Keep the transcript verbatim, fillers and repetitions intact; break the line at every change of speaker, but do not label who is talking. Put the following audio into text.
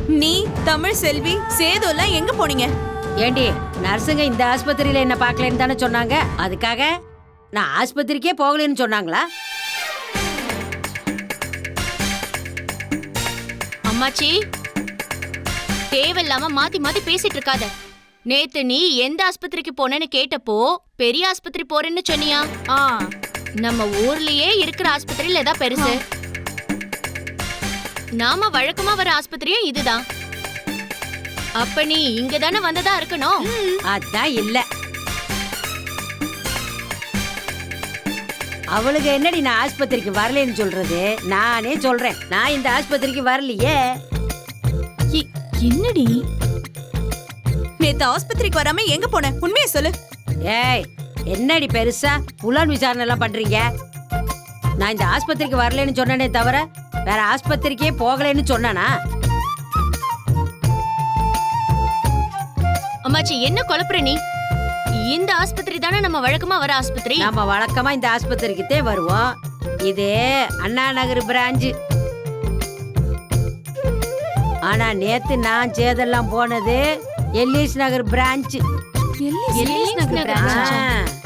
நீ தமிழ் செல்வி சேது எல்லாம் எங்க போனீங்க?
ஏண்டி நர்ஸுங்க இந்த ஆஸ்பத்திரியில என்ன பார்க்கலன்னு தானே சொன்னாங்க, அதுக்காக நான் ஆஸ்பத்திரிக்கே போகலன்னு சொன்னாங்களா?
அம்மாச்சி, தேவையில்லாம மாத்தி மாத்தி பேசிட்டு இருக்காத. நேத்து நீ எந்த ஆஸ்பத்திரிக்கு போனேன்னு கேட்டப்போ பெரிய ஆஸ்பத்திரி போறேன்னு சொன்னியா? ஆ, நம்ம ஊர்லயே இருக்கிற ஆஸ்பத்திரியில ஏதா பெருசு? நாம வழக்கமா வர ஆஸ்பத்திரியும் இதுதான். அப்ப நீ இங்க தானே வந்ததா இருக்கணும்.
அதான் இல்ல. அவளுக்கு என்னடி நான் ஆஸ்பத்திரிக்கு வரலன்னு சொல்றது? நானே சொல்றேன், நான் இந்த ஆஸ்பத்திரிக்கு வரலையே.
என்னடி
நேத்து ஆஸ்பத்திரிக்கு வராம எங்க போன? உண்மையை சொல்லு.
ஏய், என்னடி பெருசா புலன் விசாரணை எல்லாம் பண்றீங்க? நான் இந்த ஆஸ்பத்திரிக்கு வரலன்னு சொன்னனே தவிர வேற ஆஸ்பத்திரிக்கே போகலன்னு சொன்னானா?
அம்மாச்சி, என்ன குழப்புற நீ? இந்த ஆஸ்பத்திரி தானே நம்ம வழக்கமா வர ஆஸ்பத்திரி.
நம்ம வழக்கமா இந்த ஆஸ்பத்திரிக்குத்தே வருவோம். இது அண்ணா நகர் பிரான்ச். ஆனா நேத்து நான் சேதெல்லாம் போனது எல்லிஸ் நகர் பிரான்ச்.
எல்லிஸ் நகர் பிரான்ச்.